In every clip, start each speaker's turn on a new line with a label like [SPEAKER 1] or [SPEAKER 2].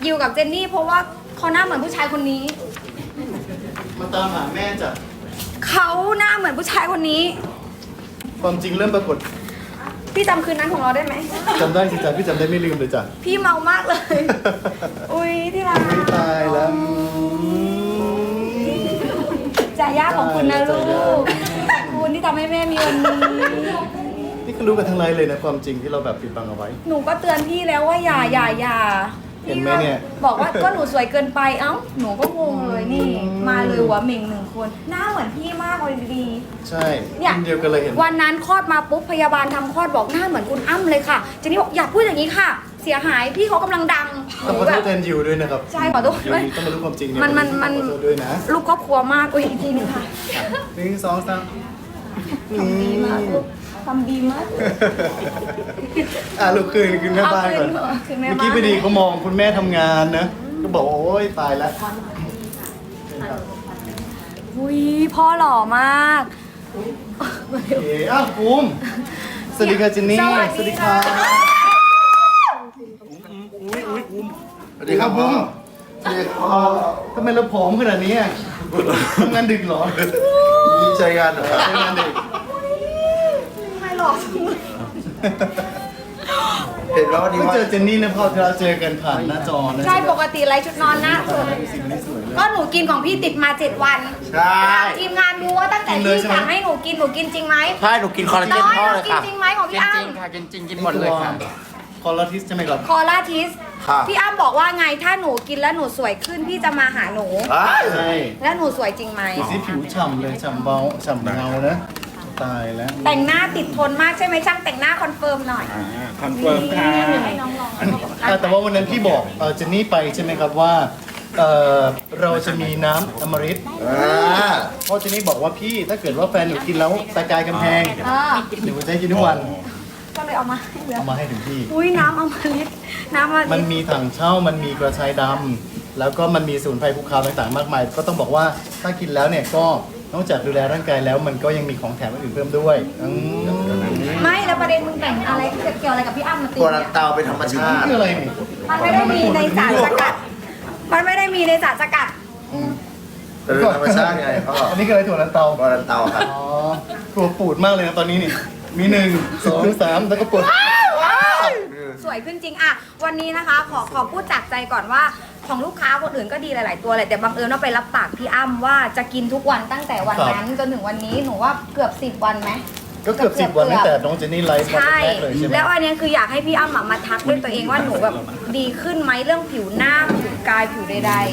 [SPEAKER 1] อยู่กับเจนนี่เพราะว่าเขาหน้าเหมือนผู้ชายคนนี้
[SPEAKER 2] มาตามหาแม่จ้ะ
[SPEAKER 1] เขาหน้าเหมือนผู้ชายคนนี้
[SPEAKER 2] ความจริงเริ่มปรากฏ
[SPEAKER 1] พี่จำคืนนั้นของเราได้ไหม
[SPEAKER 2] จำได้สิจ้ะพี่จำได้ไม่ลืมเลยจ้ะ
[SPEAKER 1] พี่เมามากเลย อุ้ยที่รัก
[SPEAKER 2] ไม่ตายแล้ว
[SPEAKER 1] จ่ายยากของคุณนะลู
[SPEAKER 2] จ่ายยาก
[SPEAKER 1] กขอบคุณที่ทำให้แม่มีวันนี้
[SPEAKER 2] นี่ก็รู้กันทั้งไลน์เลยนะความจริงที่เราแบบปิดบังเอาไว้
[SPEAKER 1] หนูก็เตือนพี่แล้วว่าอย่า
[SPEAKER 2] เห็นไหมเนี่ย
[SPEAKER 1] บอกว่าก็หนูสวยเกินไปเอ้าหนูก็งงเลยนี่ มาเลยหัวเหม่งหนึ่งคนหน้าเหมือนพี่มากเลยดี
[SPEAKER 2] ใช่
[SPEAKER 1] เนี่ย
[SPEAKER 2] รุ่นเดียวกันเลยเห็น
[SPEAKER 1] วันนั้นคลอดมาปุ๊บพยาบาลทำคลอดบอกหน้าเหมือนคุณอ้ำเลยค่ะเจนนี่บอกอย่าพูดอย่างนี้ค่ะ เสียหายพี่เขากำลังดัง
[SPEAKER 2] ต้องขอโทษแทนยิวด้วยนะครับ
[SPEAKER 1] ใช่ขอโทษ
[SPEAKER 2] ยิว
[SPEAKER 1] ด้วย
[SPEAKER 2] ต้องมารู้ความจริงเนี่ย
[SPEAKER 1] มัน
[SPEAKER 2] ขอโทษด้วยนะ
[SPEAKER 1] ลูกครอบครัวมากอุ้ยอีกทีหนึงค่ะ
[SPEAKER 2] หนึ่งสองสาม
[SPEAKER 1] ทำดีมากลูกทำดีมาก
[SPEAKER 2] ลูกคืนแม่บ้านก่อน
[SPEAKER 1] เอาคืนแม่บ้าน
[SPEAKER 2] เมื่อกี้พอดีเขามองคุณแม่ทำงานนะก็บอกโอ้ยตายแล้ว
[SPEAKER 1] อุ้ยพ่อหล่อมาก
[SPEAKER 2] โอเคภูมิสวัสดีค่ะเจนนี่
[SPEAKER 1] สวัสดีค่ะ
[SPEAKER 2] สวัสดีครับภูมิทำไมเราผอมขนาดนี้อ่ะทำงานดึกเหรอ
[SPEAKER 3] ใช้งานเหรอครับ
[SPEAKER 2] ทำงานดึก
[SPEAKER 1] ไม่หล่อจังเลย
[SPEAKER 3] เห็นแล้ววันนี้
[SPEAKER 2] เพิ่ง
[SPEAKER 3] ว่า
[SPEAKER 2] เจอเจนนี่นะพอเราเจอกันผ่านหน้าจอนะ
[SPEAKER 1] ใช่ปกติไรชุดนอนหน้าสวย
[SPEAKER 2] สิ่งนี้สวยเลย
[SPEAKER 1] ก็หนูกินของพี่ติดมา 7 วัน
[SPEAKER 3] ใช่
[SPEAKER 1] ทีมงานดูว่าตั้งแต่
[SPEAKER 2] กินเลย
[SPEAKER 1] พี่
[SPEAKER 2] ใช่ไหม
[SPEAKER 1] สั่งให้หนูกินจริงไหม
[SPEAKER 3] ใช่หนูกินคอลลาเจน
[SPEAKER 1] น้อย
[SPEAKER 3] พ่อ
[SPEAKER 1] หนู
[SPEAKER 3] เลย
[SPEAKER 1] กิน
[SPEAKER 3] ค่ะ
[SPEAKER 1] จริงไหมของพี่อ้ำ
[SPEAKER 3] จริงค่ะกินจริงกินหมดเลยค่ะ
[SPEAKER 2] คอลลาทิสใช่ไหมครับ
[SPEAKER 1] คอล่าทิส
[SPEAKER 3] ค่ะ
[SPEAKER 1] พี่อ้ำบอกว่าไงถ้าหนูกินแล้วหนูสวยขึ้นพี่จะมาหาหนู
[SPEAKER 2] ใช่
[SPEAKER 1] แล้วหนูสวยจริงไหม
[SPEAKER 2] ดูสิผิวฉ่ำเลยฉ่ำเบาฉ่ำเงานะตายแล้ว
[SPEAKER 1] แต่งหน้าติดทนมากใช่ไหมช่างแต่งหน้าคอนเฟิร์มหน่อย
[SPEAKER 3] คอนเฟิร์มค่ะ
[SPEAKER 1] ให้น้องลอง
[SPEAKER 2] แต่ว่าวันนั้นพี่บอกเจนนี่ไปใช่ไหมครับว่าเราจะมีน้ำอมฤตเพราะเจนนี่บอกว่าพี่ถ้าเกิดว่าแฟนหนูกินแล้วตะกายกำแพง หนูจะให้กินทุกวัน
[SPEAKER 1] ก็เลยเอามาให้เลย
[SPEAKER 2] เอามาให้ถึงที่
[SPEAKER 1] อุ้ยน้ำอมฤตน้ำอมฤต
[SPEAKER 2] มันมีถังเช่ามันมีกระชายดำแล้วก็มันมีสมุนไพรภูเขาต่างๆมากมาย ก็ต้องบอกว่าถ้ากินแล้วเนี่ยก็นอกจากดูแลร่างกายแล้วมันก็ยังมีของแถมอื่นๆเพิ่มด้วย
[SPEAKER 1] ไม่แล้วประเด็นมึงแต่งอะไรเกี่ยวอะไรกับพี่อ้ำมาตี
[SPEAKER 3] ตัว
[SPEAKER 1] เนี่
[SPEAKER 3] ลั
[SPEAKER 1] ย
[SPEAKER 3] นเตาเป็นธรรมชาติ
[SPEAKER 2] คืออะไรนี่
[SPEAKER 1] มันไม่ได้มีในสารสกัด มันไม่ได้มีในสารสกัด
[SPEAKER 3] แต่เป็นธรรมชาติไงพ่อ
[SPEAKER 2] อันนี้คืออะไรถั่วลันเตา
[SPEAKER 3] ตัวลันเตาครับ
[SPEAKER 2] อ๋อตัวปูดมากเลยนะตอนนี้นี่มี1 2 3แล้วก็ปวด
[SPEAKER 1] สวยขึ้นจริงอะวันนี้นะคะขอพูดจากใจก่อนว่าของลูกค้าคนอื่นก็ดีหลาย ๆ ตัวเลยแต่บังเอิญว่าไปรับปากพี่อ้ำว่าจะกินทุกวันตั้งแต่วันนั้นจนถึงวันนี้หนูว่าเกือบ10 วันไหม
[SPEAKER 2] ก็เกือบ10 วันตั้งแต่น้องเจนนี่ไลฟ์วัน
[SPEAKER 1] ใช่
[SPEAKER 2] แรกเลยใช่ไหม
[SPEAKER 1] แล้วอันเนี้ยคืออยากให้พี่อ้ำมาทักด้วยตัวเองว่าหนูแบบดีขึ้นไหมเรื่องผิวหน้าผิวกายผิวใด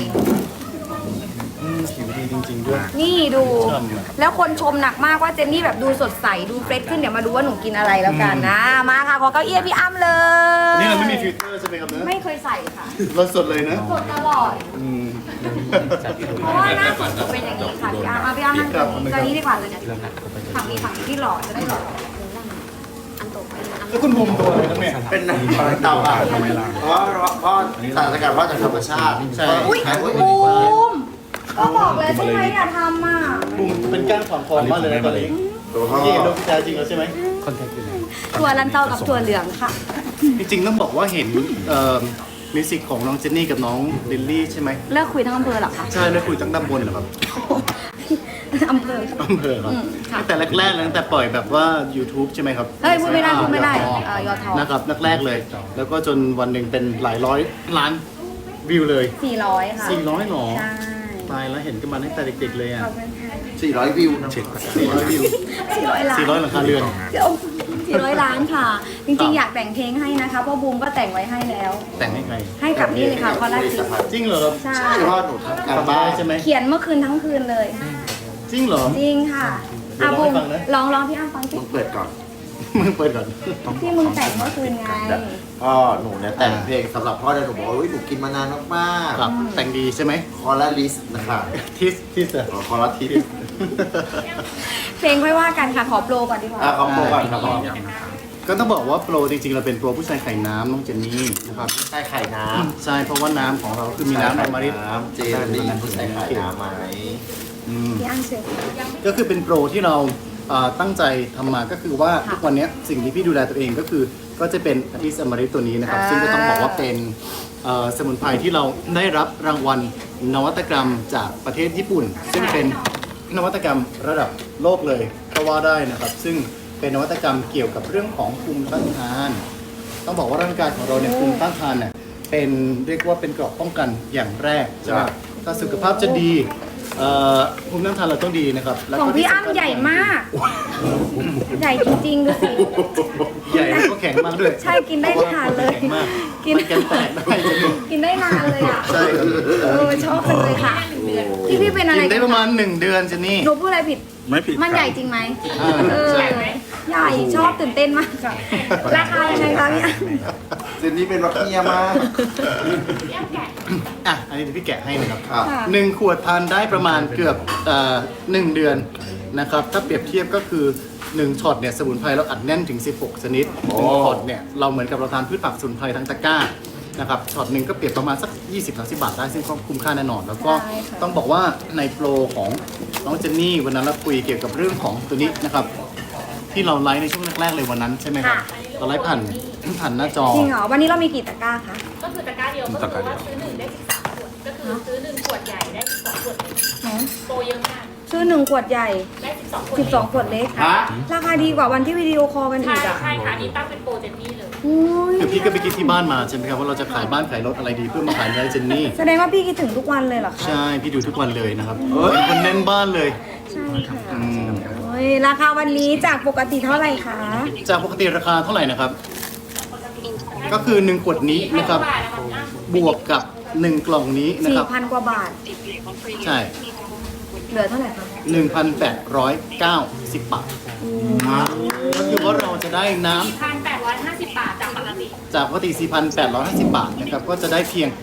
[SPEAKER 2] ผิวดีจริง ๆ ด้วย
[SPEAKER 1] ๆ นี่ดู
[SPEAKER 2] ชอบอะ
[SPEAKER 1] แล้วคนชมหนักมากว่าเจนนี่แบบดูสดใสดูเฟรชขึ้นเดี๋ยวมาดูว่าหนูกินอะไรแล้วกันนะมาค่ะขอเก้าอี้ให้พี่อ้ำเลย
[SPEAKER 2] นี่เราไม่มีฟิลเตอร์ใช่ไหมครับเนื้อ
[SPEAKER 1] ไม่เคยใส่ค่ะ
[SPEAKER 2] เราสดเลยนะ
[SPEAKER 1] สดตลอด
[SPEAKER 2] อืม
[SPEAKER 1] เพราะว่าหน้าสดเป็นอย่างนี้ค่ะพี่อ้ำเอาพี่อ้ำนั่ง
[SPEAKER 2] ครับ
[SPEAKER 1] ตรงนี้ดีกว่าเลยเนี่ยฝั่งนี้ที่หล่อจะได้หล่ออันตกไปอัน
[SPEAKER 2] แล้วคุณภูมิตัวอะไรครับเนี่ย
[SPEAKER 3] เป็นตัวลันเตาค่ะเพราะว่าพ่อสารสกัดพ่อจากธรรมชาติ
[SPEAKER 2] ใช่
[SPEAKER 1] อุ้ยบูมก็บอกเลยใช่ไหมอย่าทำอ่ะ
[SPEAKER 2] ภูมิเป็นก้านขวางคอมากเลยนะตอนนี้
[SPEAKER 3] ตัวพ่อ
[SPEAKER 2] พี่เห็นโดนพิจารจริงแล้วใช่ไหม
[SPEAKER 1] ถั่วลันเตากับถั่วเหลืองค่ะ
[SPEAKER 2] จริงๆต้องบอกว่าเห็นมิวสิกของน้องเจนนี่กับน้องลิลลี่ใช่ไหม
[SPEAKER 1] เลิกคุยทั้งอำเภอเหรอคะ
[SPEAKER 2] ใช่แล้วคุยตั้งตำบลเหรอครับ
[SPEAKER 1] อำเภอ
[SPEAKER 2] อำเภอครับ
[SPEAKER 1] ค่ะ
[SPEAKER 2] ตั้งแต่แรกๆเลยตั้งแต่ปล่อยแบบว่า YouTube ใช่ไหมครับ
[SPEAKER 1] เฮ้ยพูดไม่ได้พูดไม่ได้ยอทอ
[SPEAKER 2] นะครับแรกๆเลย แล้วก็จนวันหนึ่งเป็นหลายร้อยล้านวิวเลย
[SPEAKER 1] 400ค่ะ
[SPEAKER 2] 400หรอ
[SPEAKER 1] ใช่
[SPEAKER 2] ตายแล้วเห็นกันมาตั้งแต่เด็กๆเลยอ่ะ
[SPEAKER 1] ขอบคุณค่ะ
[SPEAKER 3] 400 วิวนะ
[SPEAKER 2] 400วิว
[SPEAKER 1] 400 ล้าน
[SPEAKER 2] 400หลังคาเรือน
[SPEAKER 1] เดี๋ยว400 ล้านค่ะ จริงๆอยากแต่งเพลงให้นะคะเพราะบูมก็แต่งไว้ให้แล้ว
[SPEAKER 2] แต่งให้ใคร
[SPEAKER 1] ให้กับนี่เลยค่ะคอลลาเจน
[SPEAKER 2] จริงเหรอครับ
[SPEAKER 1] ใช่
[SPEAKER 3] ใช่พ่อหนูทำการ
[SPEAKER 2] ทำ
[SPEAKER 3] บ้า
[SPEAKER 2] ได้
[SPEAKER 3] น
[SPEAKER 2] ใช่ไหม
[SPEAKER 1] เขียนเมื่อคืนทั้งคืนเลย
[SPEAKER 2] จริงเหรอ
[SPEAKER 1] จริงค่ะ
[SPEAKER 2] เดี๋ยว
[SPEAKER 1] บูม
[SPEAKER 2] ร้องให้ฟังนะ
[SPEAKER 1] ลองพี่อ้ำฟังสิ
[SPEAKER 3] มึงเปิดก่อน
[SPEAKER 2] มึงเปิดก่อน
[SPEAKER 1] ที่มึงแต่งเมื่อคืนไง
[SPEAKER 3] พ่อหนูเนี่ยแต่งเพลงสำหรับพ่อเนี่ยหนูบอกว่าหนูกินมานานมาก
[SPEAKER 2] ครับแต่งดีใช่ไหม
[SPEAKER 3] ๆคอลลาลิสนะคะ
[SPEAKER 2] ทิสอะ
[SPEAKER 3] คอลลาทิส
[SPEAKER 1] เพลงไม่ว่ากันค่ะขอโปรก่อนดีกว่า
[SPEAKER 3] ขอบคุณก่อนครับพ่อ
[SPEAKER 2] ก็ต้องบอกว่าโปรจริงๆเราเป็นโปรผู้ชายไข่น้ำน้องเจนนี่นะครับ
[SPEAKER 3] ใช่ไข่น้
[SPEAKER 2] ใช่เพราะว่าน้ำของเราคือ
[SPEAKER 3] ำ
[SPEAKER 2] มีน้ำอมฤต
[SPEAKER 3] น้ำเจลลี่ใส่ไข่น้ำไหม
[SPEAKER 2] อืม
[SPEAKER 1] พี่อ้ำเชิญ
[SPEAKER 2] ก็คือเป็นโปรที่เราตั้งใจทำมาก็คือว่า
[SPEAKER 1] ค่ะ
[SPEAKER 2] ทุกวันนี้สิ่งที่พี่ดูแลตัวเองก็คือก็จะเป็นอาทิสอมฤตตัวนี้นะครับ
[SPEAKER 1] อ่า
[SPEAKER 2] ซึ่งก็ต้องบอกว่าเป็นสมุนไพรที่เราได้รับรางวัลนวัตกรรมจากประเทศญี่ปุ่น ซึ่งเป็นนวัตกรรมระดับโลกเลยก็ว่าได้นะครับ ซึ่งเป็นนวัตกรรมเกี่ยวกับเรื่องของภูมิต้านทาน ต้องบอกว่าร่างกายของเราเนี่ยภูมิต้านทานเนี่ยเป็นเรียกว่าเป็นเกราะป้องกันอย่างแรกใช่ไหมถ้าสุขภาพจะดีภูมิต้านทานเราต้องดีนะครับแล้ว
[SPEAKER 1] ของ
[SPEAKER 2] ก็
[SPEAKER 1] พี่
[SPEAKER 2] ที่
[SPEAKER 1] อ้ำ
[SPEAKER 2] สำคัญ
[SPEAKER 1] ใหญ่มาก ใหญ่จริงๆดูสิ
[SPEAKER 2] ใหญ่แล้วก็แข็งมากด้วย
[SPEAKER 1] ใช่กินได้นานเลย
[SPEAKER 2] แข็งมาก
[SPEAKER 1] กิน
[SPEAKER 2] มันแกนแตกได้จริง
[SPEAKER 1] กินได้นานเลยอ่ะ
[SPEAKER 2] ใช่ครับ
[SPEAKER 1] ชอบจังเลยค่ะพี่เป็นอะไร
[SPEAKER 2] กินได้ประมาณ1 เดือนเจนนี่
[SPEAKER 1] หนูพูดอะไรผิด
[SPEAKER 4] ไม่ผิด
[SPEAKER 1] มันใหญ่จริงไหม
[SPEAKER 2] ใช่
[SPEAKER 1] ใหญ่ชอบตื่นเต้นมากค่ะราคายังไงคะพี่อ้ำ
[SPEAKER 3] เจนนี่เป็นรักเมียมาก
[SPEAKER 2] อ่ะอันนี้เดี๋ยวพี่แกะให้นะครับ
[SPEAKER 3] ครับ
[SPEAKER 1] ค่ะ
[SPEAKER 2] 1 ขวดทานได้ประมาณเกือบ1 เดือนนะครับถ้าเปรียบเทียบก็คือ1ช็อตเนี่ยสมุนไพรเราอัดแน่นถึง16ชนิด1ช็อตเนี่ยเราเหมือนกับเราทานพืชผักสมุนไพรทั้งตะกร้านะครับช็อตหนึ่งก็เปรียบประมาณสัก 20-30 บาทได้ซึ่งก็คุ้มค่าแน่นอน แล้วก็
[SPEAKER 1] ใช่ค่ะ
[SPEAKER 2] ต้องบอกว่าในโปรของน้องเจนนี่วันนั้นเราคุยเกี่ยวกับเรื่องของตัวนี้นะครับที่เราไลฟ์ในช่วงแรกๆเลยวันนั้นใช่ไหมครับเราไลฟ์ผ่านหน้าจอ
[SPEAKER 1] จริงเหรอวันนี้เรามีกี่ตะกร้าคะ
[SPEAKER 5] ก็คือตะกร้าเดียวก็คือว่าซื้อ1ได้13ขวดก็คือซื้อ1ขวดใหญ่ได้12ขวดเล็กโปรเยอะมาก
[SPEAKER 1] ซื้อ1 ขวดใหญ่
[SPEAKER 5] ได้12ขวดเล็ก
[SPEAKER 1] 12 ขวดเล็ก
[SPEAKER 3] ฮะ
[SPEAKER 1] ราคาดีกว่าวันที่วิดีโอคอลกันอี
[SPEAKER 5] ใช่
[SPEAKER 1] กอ่ะ
[SPEAKER 5] ใช่ค่ะอันนี้ตั้งเป็นโปรเจนนี่เลย
[SPEAKER 1] อุ้ย
[SPEAKER 2] คือพี่ก็ไปคิดที่บ้านมาใช่ไหมครับว่าเราจะขายบ้านขายรถอะไรดีเพื่อมาขายในเจนนี่
[SPEAKER 1] แสดงว่าพี่คิดถึงทุกวันเลยเหรอคะ
[SPEAKER 2] ใช่พี่ดูทุกวันเลยนะครับเป็นคนแน่นบ้านเลย
[SPEAKER 1] ใช่ค่ะโอ้ยราคาวันนี้จากปกติเท่าไหร่คะ
[SPEAKER 2] จากปกติราคาเท่าไหร่นะครับ ก็คือ1 ขวดนี้นะครับ
[SPEAKER 5] บาทนะคะ
[SPEAKER 2] บวกกับ1 กล่องนี้นะครับ
[SPEAKER 1] 4,000 กว่าบาท
[SPEAKER 2] ใช่
[SPEAKER 1] เหลือเท่าไหร่คะ
[SPEAKER 2] 1,890 บาทก็คือว่าเราจะได้น้ำ
[SPEAKER 5] 1,850 บาทจากปกติ
[SPEAKER 2] จากปกติ 4,850 บาทนะครับ ก็จะได้เพียง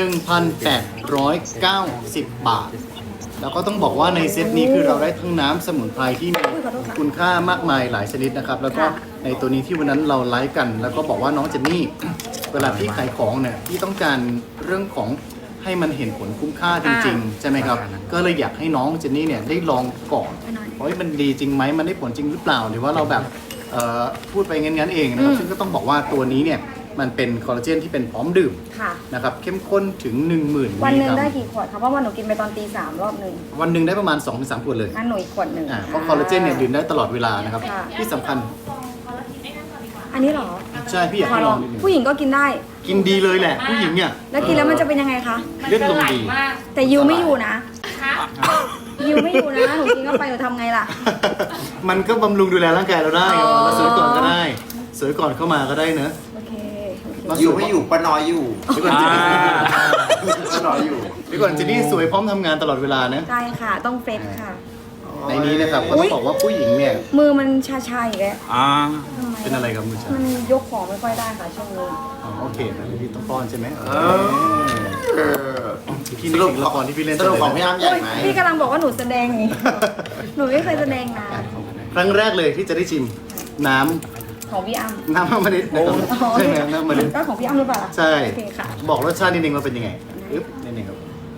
[SPEAKER 2] 1,890 บาท แล้วก็ต้องบอกว่าในเซตนี้คือเราได้ทั้งน้ำสมุนไพรที่มีคุณค่ามากมายหลายชนิดนะครับ แล้วก็ในตัวนี้ที่วันนั้นเราไลฟ์กัน แล้วก็บอกว่าน้องเจนนี่ เวลาพี่ขายของเนี่ยพี่ต้องการเรื่องของให้มันเห็นผลคุ้มค่าจริงๆ ใช่ไหมครับ ก็เลยอยากให้น้องเจนนี่เนี่ยได้ลองก่อนว่ามันดีจริงไหมมันได้ผลจริงหรือเปล่า หรือว่าเราแบบพูดไปงั้นๆเองนะครับ ซึ่งก็ต้องบอกว่าตัวนี้เนี่ยมันเป็นคอลลาเจนที่เป็นพร้อมดื่ม
[SPEAKER 1] ค่ะ
[SPEAKER 2] นะครับเข้มข้นถึง 10,000 มิล
[SPEAKER 1] วัน
[SPEAKER 2] ลิ
[SPEAKER 1] หนึ่
[SPEAKER 2] ก
[SPEAKER 1] ง
[SPEAKER 2] รัม
[SPEAKER 1] ได้กี่ขวดคะเพราะว่าหนูกินไปตอนตี 3 รอบหนึ่ง
[SPEAKER 2] วันหนึ่งได้ประมาณ 2-3 ขวดเลย
[SPEAKER 1] งั้นหนูอีกขวดหนึ่ง
[SPEAKER 2] เพราะคอลลาเจนเนี่ยดื่มได้ตลอดเวลานะครับ
[SPEAKER 1] ค่ะ
[SPEAKER 2] ที่สำคัญ
[SPEAKER 1] อันนี้เหรอ
[SPEAKER 2] ใช่พี่อยาก
[SPEAKER 1] ขอ
[SPEAKER 2] ให้
[SPEAKER 1] ล
[SPEAKER 2] ล
[SPEAKER 1] อ
[SPEAKER 2] อง งนิดนึง
[SPEAKER 1] ผู้หญิงก็กินได้
[SPEAKER 2] กินดีเลยแหละ ผู้หญิงเนี่ย
[SPEAKER 1] แล้วกินแล้วมันจะเป็นยังไงคะ
[SPEAKER 5] มัน
[SPEAKER 2] เลือด
[SPEAKER 5] จะ
[SPEAKER 2] ลง
[SPEAKER 5] ไหล
[SPEAKER 2] ดี
[SPEAKER 5] มาก
[SPEAKER 1] แต่ยิวไม่อยู่นะ
[SPEAKER 5] คะ
[SPEAKER 1] ยิวไม่อยู่นะ หนูกินเข้าไปหนูทำไงล่ะ
[SPEAKER 2] มันก็บำรุงดูแลร่างกายเราได้
[SPEAKER 1] อ๋อ
[SPEAKER 2] เราสวยก่อนก็ได้ สวยก่อนเข้ามาก็ได้เนอะ
[SPEAKER 1] โอเคโอเค
[SPEAKER 2] มา
[SPEAKER 3] อยู่ไม่อยู่ป้าน้อยอยู่
[SPEAKER 2] เดี๋ยวก่อนเจนนี่
[SPEAKER 3] ป้าน้อยอยู่
[SPEAKER 2] เดี๋ยวก่อนเจนนี่สวยพร้อมทำงานตลอดเวลานะ
[SPEAKER 1] ใช่ค่ะ ต้องเฟรชค่ะ
[SPEAKER 2] ในนี้นะครับก็ต้องบอกว่าผู้หญิงเนี่ย
[SPEAKER 1] มือมันชาๆอีกแล้ว
[SPEAKER 4] อ่า
[SPEAKER 1] ทำไม
[SPEAKER 2] เป็นอะไรครับมือฉัน
[SPEAKER 1] มันยกของไม่ค่อยได้ค่ะช่วงนี้
[SPEAKER 2] อ๋อโอเคนะพี่ต้องป้อนใช่ไหม
[SPEAKER 3] เออ
[SPEAKER 2] พี่นึกถึงละครที่พี่เล่น
[SPEAKER 3] สรุปของพี่อ้ำใหญ่ไหม
[SPEAKER 1] พี่กำลังบอกว่าหนูแสดงอย่างนี้ หนูไม่เคยแสดงนะ
[SPEAKER 2] ครั้งแรกเลยที่จะได้ชิมน้
[SPEAKER 1] ของพี่อ้ำ
[SPEAKER 2] ำน้ำมะลินะครับใช่ไหมน้ำมะลิ
[SPEAKER 1] ก็ของพี่อ้ำหรือเปล่าล่ะ
[SPEAKER 2] ใช่
[SPEAKER 1] โอเคค่ะ
[SPEAKER 2] บอกรสชาตินิดนึงว่าเป็นยังไงอึ๊บนิดนึงครับ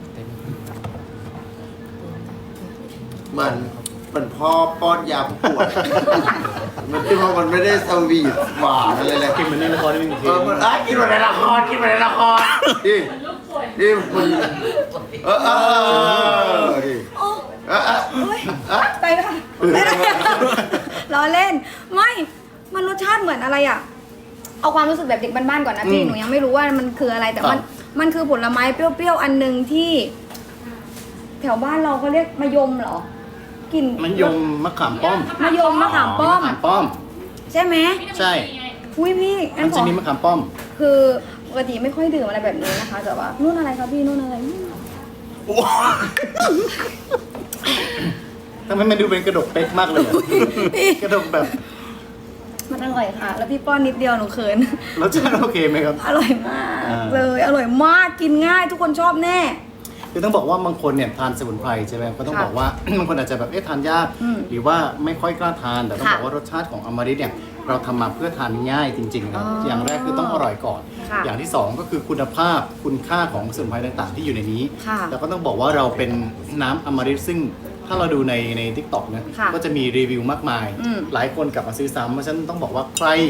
[SPEAKER 3] มันพ่อป้อนยาผู้ป่วยมันคือว่ามันไม่ได้สวีทหวานอะไรเลย
[SPEAKER 2] กินเหมือนในละครนิดนึงที
[SPEAKER 3] มันกินมาในละครกินมาในละครดิดิมันดิ
[SPEAKER 1] โอ้ยไปเลยค่ะไปเลยล้อเล่น ไม่ มันรสชาติเหมือนอะไรอ่ะ เอาความรู้สึกแบบเด็กบ้านๆก่อนนะพี่ หนูยังไม่รู้ว่ามันคืออะไร แต่มันคือผลไม้เปรี้ยวๆอันหนึ่งที่ แถวบ้านเราเขาเรียกมะยมเหรอ กลิ่น
[SPEAKER 2] มันยมมะขามป้อม
[SPEAKER 1] มะยมมะขามป้อม
[SPEAKER 2] มะขามป้อม
[SPEAKER 1] ใช่ไหม
[SPEAKER 2] ใช่
[SPEAKER 1] อุ้ยพี่งั้
[SPEAKER 2] มัน น
[SPEAKER 1] ข
[SPEAKER 2] จะ
[SPEAKER 1] อ
[SPEAKER 2] มีมะขามป้อม
[SPEAKER 1] คือปกติไม่ค่อยดื่มอะไรแบบนี้นะคะ แต่ว่านู่นอะไรครับพี่นู่นอะไร
[SPEAKER 2] ทำไมมันดูเป็นกระดกเป๊กมากเลยอะกระดกแบบ
[SPEAKER 1] มันอร่อยค่ะ แล้วพี่ป้อนนิดเดียวหนูเขิน
[SPEAKER 2] รสชาติโอเคไหมครับ
[SPEAKER 1] อร่อยมาก
[SPEAKER 2] อ่า
[SPEAKER 1] เลย อร่อยมาก กินง่าย ทุกคนชอบแน่
[SPEAKER 2] คือต้องบอกว่าบางคนเนี่ยทานสมุนไพรใช่ไหมก็ต้อง
[SPEAKER 1] ค่ะ
[SPEAKER 2] บอกว่า บางคนอาจจะแบบทานยาก
[SPEAKER 1] อืม
[SPEAKER 2] หรือว่าไม่ค่อยกล้าทาน แต่ต้อง
[SPEAKER 1] ค่ะ
[SPEAKER 2] บอกว่ารสชาติของอมฤตเนี่ยเราทำมาเพื่อทานง่ายจริงๆนะครับ
[SPEAKER 1] อ๋อ
[SPEAKER 2] อย่างแรกคือต้องอร่อยก่อน
[SPEAKER 1] ค่ะ
[SPEAKER 2] อย่างที่สองก็คือคุณภาพคุณค่าของสมุนไพรต่างๆ ที่อยู่ในนี้
[SPEAKER 1] ค่ะ
[SPEAKER 2] แล้วก็ต้องบอกว่าเราเป็นน้ำอมฤตซึ่งถ้าเราดูใน TikTok นะ
[SPEAKER 1] ค่ะ
[SPEAKER 2] ก็จะมีรีวิวมากมาย
[SPEAKER 1] อืม
[SPEAKER 2] หลายคนกลับมาซื้อซ้ำเพราะฉะนั้นต้องบอกว่าใคร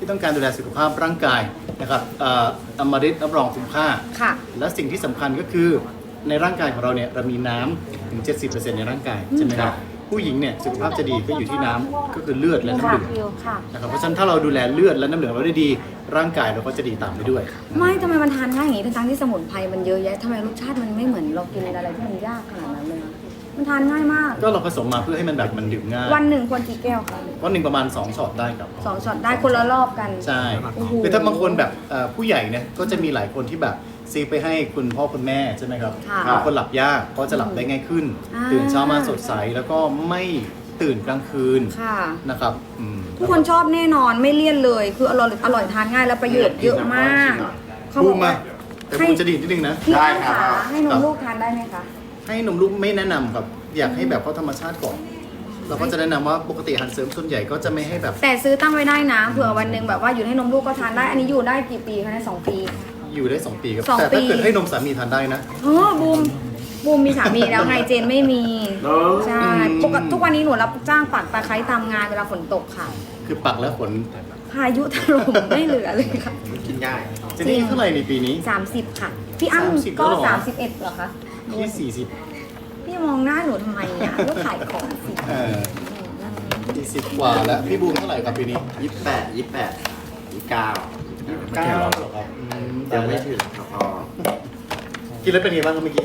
[SPEAKER 2] ที่ต้องการดูแลสุขภาพร่างกายนะครับอมฤตรับรองคุ้มค่า
[SPEAKER 1] ค่ะ
[SPEAKER 2] และสิ่งที่สำคัญก็คือในร่างกายของเราเนี่ยเรามีน้ำถึง 70% ในร่างกายใช่ไหมครับผู้หญิงเนี่ยสุขภาพจะดีก็อยู่ที่น้ำก็คือเลือดและน้ำเหลือง
[SPEAKER 1] ค่ะ
[SPEAKER 2] นะครับเพราะฉะนั้นถ้าเราดูแลเลือดและน้ำเหลืองเราได้ดีร่างกายเราก็จะดีตามไปด้วย
[SPEAKER 1] ไม่ทำไมมันทานง่ายอย่างนี้ทั้งๆที่สมุนไพรมันเยอะแยะทำไมรสชาติมันไม่เหมือนเรากินอะไรที่มันยากขนาดนั้นเลยนะมันทานง่ายมาก
[SPEAKER 2] ก็เราผสมมาเพื่อให้มันแบบมันดื่มง่าย
[SPEAKER 1] วันหนึ่งควรกี่แก้วคะ
[SPEAKER 2] วันหนึ่งประมาณ2ช็อตได้ครับ
[SPEAKER 1] 2 ช็อตได้คนละรอบกัน
[SPEAKER 2] ใช่
[SPEAKER 1] โอ้โห
[SPEAKER 2] คือถ้าบางคนแบบผู้ใหญ่เนี่ยก็จะมีหลายคนที่แบบซื้อไปให้คุณพ่อคุณแม่ใช่ไหมครับ
[SPEAKER 1] ค่ะ
[SPEAKER 2] บางคนหลับยากก็จะหลับได้ง่ายขึ้น
[SPEAKER 1] อ่า
[SPEAKER 2] ตื่นเช้ามาสดใสแล้วก็ไม่ตื่นกลางคืน
[SPEAKER 1] ค่ะ
[SPEAKER 2] นะครับอืม
[SPEAKER 1] ทุกคนชอบแน่นอนไม่เลี่ยนเลย คืออร่อยทานง่ายแล้วประโยชน์เยอะมากเขา
[SPEAKER 2] บู
[SPEAKER 1] บอ
[SPEAKER 2] ม
[SPEAKER 1] ก
[SPEAKER 2] มา
[SPEAKER 1] ว่า
[SPEAKER 2] แต่บูมจะดีดนิดนึงนะ
[SPEAKER 1] พี่
[SPEAKER 3] ได้
[SPEAKER 1] อ้ำ
[SPEAKER 3] ครั
[SPEAKER 1] ขา
[SPEAKER 3] บ
[SPEAKER 1] ให้นมลูกทานได้ไหมคะ
[SPEAKER 2] ให้นมลูกไม่แนะนำครับ อยากให้แบบเขาธรรมชาติก่อน เราก็จะแนะนำว่าปกติอาหารเสริมส่วนใหญ่ก็จะไม่ให้แบบ
[SPEAKER 1] แต่ซื้อตั้งไว้ได้นะเผื่อวันหนึ่งแบบว่าอยู่ให้นมลูกก็ทานได้ อันนี้อยู่ได้กี่ปีคะในย2 ปี
[SPEAKER 2] อยู่ได้ 2 ปีครับ
[SPEAKER 1] 2
[SPEAKER 2] แต่
[SPEAKER 1] ปี
[SPEAKER 2] ถ้าเกิดให้นมสามีทานได้นะ
[SPEAKER 1] บูมมีสามีแล้วไงเจนไม่มี
[SPEAKER 3] เนอะ
[SPEAKER 1] ใช่ปกติทุกวันนี้หนูรับจ้างปักตะไคร้ตามงานเวลาฝนตกค่ะ
[SPEAKER 2] คือปักแล้วขน
[SPEAKER 1] พายุถล่มไม่เหลือเลยค่ะ
[SPEAKER 3] กินง่าย
[SPEAKER 2] เจนนี่เท่าไหร่ในปีนี้
[SPEAKER 1] 30 ค่ะ พี่อ้ำ
[SPEAKER 2] 30
[SPEAKER 1] ก็
[SPEAKER 2] แล้วเหรอ
[SPEAKER 1] 31เหรอคะ
[SPEAKER 2] ที่40
[SPEAKER 1] พี่มองหน้าหนูทำไมอ่ะก็ขายของสิ
[SPEAKER 2] 40 กว่าแล้ว พี่บูมเท่าไหร่ครับปีนี้
[SPEAKER 3] 28 29
[SPEAKER 2] 9เหรอครับ
[SPEAKER 3] ยังไม่ถึงครับพ่อ
[SPEAKER 2] กินแล้วเป็นไงบ้างครับเมื่อกี้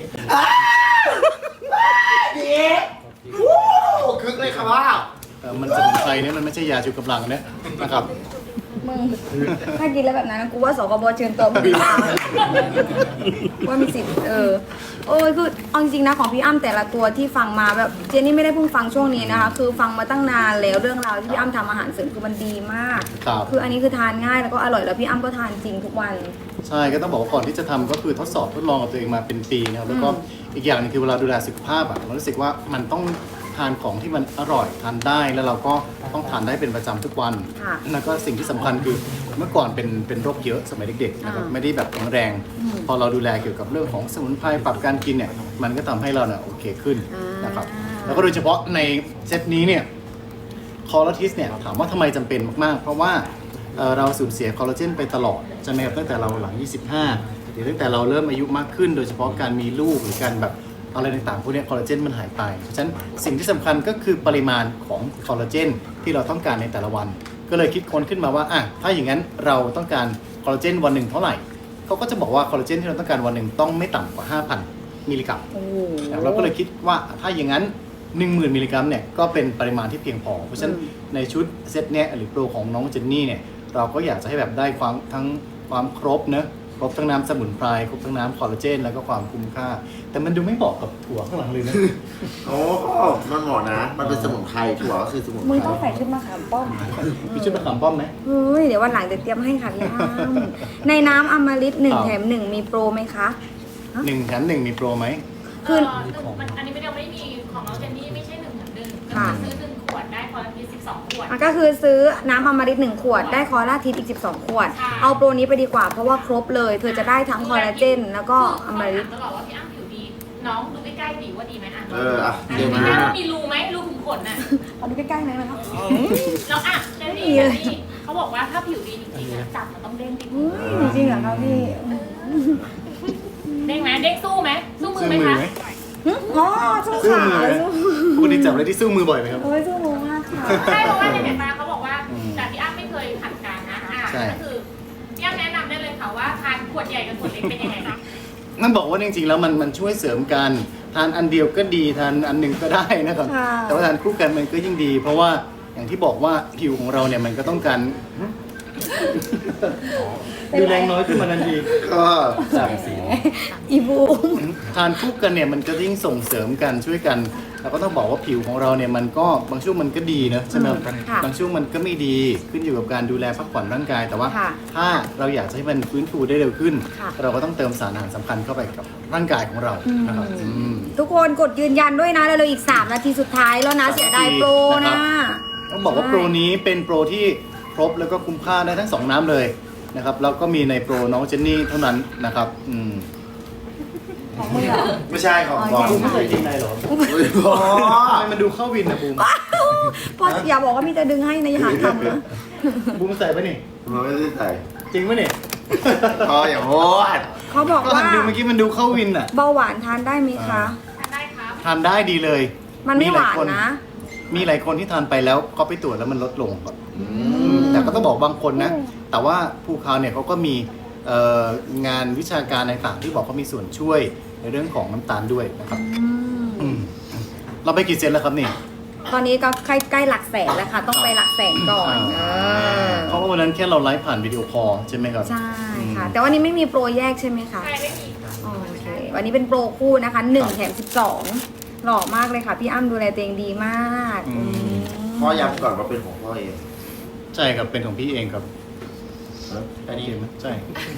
[SPEAKER 3] คึกเลยครับว่า
[SPEAKER 2] มันสมุนไพรเนี่ยมันไม่ใช่ยาชูกำลังนะนะครับ
[SPEAKER 1] มึงถ้ากินแล้วแบบนั้นกูว่าสกบเชิญตัวมึงว่ามีสิทธิ์คือเอาจริงๆนะของพี่อ้ำแต่ละตัวที่ฟังมาแบบเจนนี่ไม่ได้เพิ่งฟังช่วงนี้นะคะ คือฟังมาตั้งนานแล้วเรื่องราวที่พี่อ้ำทำอาหารเสริมคือมันดีมาก
[SPEAKER 2] ครับ
[SPEAKER 1] คืออันนี้คือทานง่ายแล้วก็อร่อยแล้วพี่อ้ำก็ทานจริงทุกวัน
[SPEAKER 2] ใช่ก็ต้องบอกว่าก่อนที่จะทำก็คือทดสอบทดลองกับตัวเองมาเป็นปีนะครับแล้วก็อีกอย่างหนึงคือเวลาดูแลสุขภาพอะเรารู้สึกว่ามันต้องทานของที่มันอร่อยทานได้แล้วเราก็ต้องทานได้เป็นประจำทุกวัน
[SPEAKER 1] ค่ะ
[SPEAKER 2] แล้วก็สิ่งที่สำคัญคือเมื่อก่อนเป็นโรคเยอะสมัยเด็กๆนะครับไม่ได้แบบแข็งแรง พอเราดูแลเกี่ยวกับเรื่องของสมุนไพรปรับการกินเนี่ยมันก็ทำให้เราเนี่ยโอเคขึ้นนะครับแล้วก็โดยเฉพาะในเซตนี้เนี่ยคอลลาทิสเนี่ยถามว่าทำไมจำเป็นมากๆ เพราะว่าเราสูญเสียคอลลาเจนไปตลอดใช่ไหมครับตั้งแต่เราหลัง 25 หรือตั้งแต่เราเริ่มอายุมากขึ้น โดยเฉพาะการมีลูกหรือการแบบอะไรต่างๆพวกเนี้คอลลาเจนมันหายไปเพราะฉะนั้นสิ่งที่สำคัญก็คือปริมาณของคอลลาเจนที่เราต้องการในแต่ละวัน ก็เลยคิดค้นขึ้นมาว่าถ้าอย่างนั้นเราต้องการคอลลาเจนวันหนึ่งเท่าไหร่เขาก็จะบอกว่าคอลลาเจนที่เราต้องการวันหนึ่งต้องไม่ต่ำกว่า 5,000 มิลลิกรัม
[SPEAKER 1] โอ้โห
[SPEAKER 2] เราก็เลยคิดว่าถ้าอย่างนั้น 10,000 มิลลิกรัมเนี่ยก็เป็นปริมาณที่เพียงพอ เพราะฉะนั้นในชุดเซตเนี้ยหรือโปรของน้องเจนนี่เนี่ยเราก็อยากจะให้แบบได้ความครบเนอะครบทั้งน้ำสมุนไพรครบทั้งน้ำคอลลาเจนแล้วก็ความคุ้มค่า แต่มันดูไม่เหมาะกับถั่วข้างหลังเลยนะ
[SPEAKER 3] โอ้มันเหมาะนะ มันเป็นสมุนไพรถั่วก็คือสมุนไพ
[SPEAKER 1] มึง
[SPEAKER 3] ร
[SPEAKER 1] ต้องใส่ชุดมะขามป้อม
[SPEAKER 2] มีชุดมะขามป้อมไหม
[SPEAKER 1] เฮ้ยเดี๋ยววันหลังจะเตรียมให้ค่ะพี่อ้ำในน้ำอมฤต1
[SPEAKER 2] ครับ
[SPEAKER 1] แถม 1 มีโปรไหมคะ
[SPEAKER 2] 1 แถม 1 มีโปรไหม
[SPEAKER 1] คือ
[SPEAKER 5] อันนี้ไม่ได้ไม่มีของน้องเจนนี่ไม่ใช่1 เหมือน1ก็
[SPEAKER 1] ค่ะ
[SPEAKER 5] คือซื้อ1 ขวดได้คอลลาเจน12 ขวด
[SPEAKER 1] ก็คือซื้อน้ำอมฤต1 ขวด ได้คอลลาทิสอีก 12 ขวด
[SPEAKER 5] ใช่
[SPEAKER 1] เอาโปรนี้ไปดีกว่าเพราะว่าครบเลยเธอจะได้ทั้งคอลลาเจนแล้วก็อมฤต
[SPEAKER 5] ตลอดว่าพี่อ้ำผิวดี น้องดูใกล้ๆดีว่าดีไหมอ่ะ
[SPEAKER 3] อ่ะ
[SPEAKER 5] ดู
[SPEAKER 3] เดี๋ยว
[SPEAKER 5] ใก
[SPEAKER 3] นะ
[SPEAKER 5] ล้ๆว่ามีรูไหมรูขุมขนน่ะ
[SPEAKER 1] เอาดูใกล้ๆหน่อยนะครับ
[SPEAKER 5] แล้วอ่ะเจนนี่
[SPEAKER 1] ไม่มีเลย
[SPEAKER 5] เขาบอกว่าถ้าผิวดีจริงๆอ่ะจับมันต้องเด้งติด
[SPEAKER 1] อุ้ยจริงเหรอคะพี่
[SPEAKER 5] เด้งไหมเด้งสู้ไหมสู้มือ
[SPEAKER 2] สู้
[SPEAKER 5] ไหม
[SPEAKER 2] มือ
[SPEAKER 5] คะ
[SPEAKER 2] ไหม
[SPEAKER 1] อ๋อสู้
[SPEAKER 2] สู้
[SPEAKER 1] ขา
[SPEAKER 2] มือไหม
[SPEAKER 1] สู้
[SPEAKER 2] ปกติจับอะไรที่สู้มือบ่อยไหมครับ
[SPEAKER 1] โอ้ยสู้มือมากค่ะ
[SPEAKER 5] ใช่เพราะว่าในเห็นมาเขาบอกว่าแต่พี่อ้ำไม่เคยผ่านการนะ
[SPEAKER 2] ใช่
[SPEAKER 5] ก็คือพี่อ้ำแนะนำได้เลยค่ะว่าทานขวดใหญ่กับขวดเล็กเป็นยังไงคะ
[SPEAKER 2] นั่นบอกว่าจริงๆแล้วมันช่วยเสริมกันทานอันเดียวก็ดีทานอันหนึ่งก็ได้นะครับ
[SPEAKER 1] ค่ะ
[SPEAKER 2] แต่ว่าทานคู่กันมันก็ยิ่งดี เพราะว่าอย่างที่บอกว่าผิวของเราเนี่ยมันก็ต้องการดูแรงน้อยขึ้นมาทันที
[SPEAKER 3] ก็
[SPEAKER 1] อีบูม
[SPEAKER 2] ทานคู่กันเนี่ยมันก็ยิ่งส่งเสริมกันช่วยกันเราก็ต้องบอกว่าผิวของเราเนี่ยมันก็บางช่วงมันก็ดีนะใช่ไหมครับ
[SPEAKER 1] ค่ะ
[SPEAKER 2] บางช่วงมันก็ไม่ดีขึ้นอยู่กับการดูแลพักผ่อนร่างกาย แต่ว่า
[SPEAKER 1] ค่ะ
[SPEAKER 2] ถ้าเราอยากจะให้มันฟื้นฟูได้เร็วขึ้น
[SPEAKER 1] ค่ะ
[SPEAKER 2] เราก็ต้องเติมสารอาหารสำคัญเข้าไปกับร่างกายของเรานะครับอืม
[SPEAKER 1] ทุกคนกดยืนยันด้วยนะแล้วเราอีก 3 นาทีสุดท้ายแล้วนะเสียดายโปรนะ
[SPEAKER 2] ต้องบอกว่าโปรนี้เป็นโปรที่ครบแล้วก็คุ้มค่าได้ทั้ง 2 น้ำเลยนะครับแล้วก็มีในโปรน้องเจนนี่เท่านั้นนะครับ
[SPEAKER 1] ของมึงเหรอ
[SPEAKER 3] ไม่ใช่ของ
[SPEAKER 1] อ๋อ
[SPEAKER 3] บอล
[SPEAKER 1] ใช่
[SPEAKER 2] ไม่เคยกินอะไรหรอ
[SPEAKER 3] โอ้ยบอ
[SPEAKER 2] ทำไมมันดูเข้าวินนะบูม
[SPEAKER 1] พ่ออย่าบอกว่ามีแต่ดึงให้นะอย่าหาทำนะ
[SPEAKER 2] บูมใส่ปะนี่
[SPEAKER 3] มันไม่ได้ใส่
[SPEAKER 2] จริงปะนี่
[SPEAKER 3] พออย่าโหด
[SPEAKER 1] เขาบอก
[SPEAKER 2] ก็
[SPEAKER 1] ว่า
[SPEAKER 2] หันดูเมื่อกี้มันดูเข้าวินอ่ะ
[SPEAKER 1] เบาหวานทานได้ไหมคะ
[SPEAKER 5] ทานได้ครับ
[SPEAKER 2] ทานได้ดีเลย
[SPEAKER 1] มันไม่หวาน
[SPEAKER 2] ค
[SPEAKER 1] นะ
[SPEAKER 2] มีหลายคนที่ทานไปแล้วก็ไปตรวจแล้วมันลดลงครับแต่ก็ต้องบอกบางคนนะ แต่ว่าภูเขาเนี่ยเขาก็มีงานวิชาการต่างๆที่บอกเขามีส่วนช่วยในเรื่องของน้ำตาลด้วยนะครับอืมเราไปกี่เซนแล้วครับนี่
[SPEAKER 1] ตอนนี้ก็ใกล้หลักแสนแล้วค่ะ ต้องไปหลักแสนก่อน
[SPEAKER 2] เพราะว่าวันนั้นแค่เราไลฟ์ผ่านวิดีโอคอลใช่ไหมครับ
[SPEAKER 1] ใช่ค่ะ แต่วันนี้ไม่มีโปรแยกใช่ไหมคะ
[SPEAKER 5] ใช่ไม่มีค่ะ
[SPEAKER 1] โอเค วันนี้เป็นโปรคู่นะคะ1แถม12หล่อมากเลยค่ะ พี่อ้ำดูแลตัวเองดีมาก
[SPEAKER 3] พ่อย้ำก่อนว่าเป็นของพ่อเอง
[SPEAKER 2] ใช่ครับเป็นของพี่เองครับ
[SPEAKER 3] อันนี้
[SPEAKER 2] เห็นไหมใช่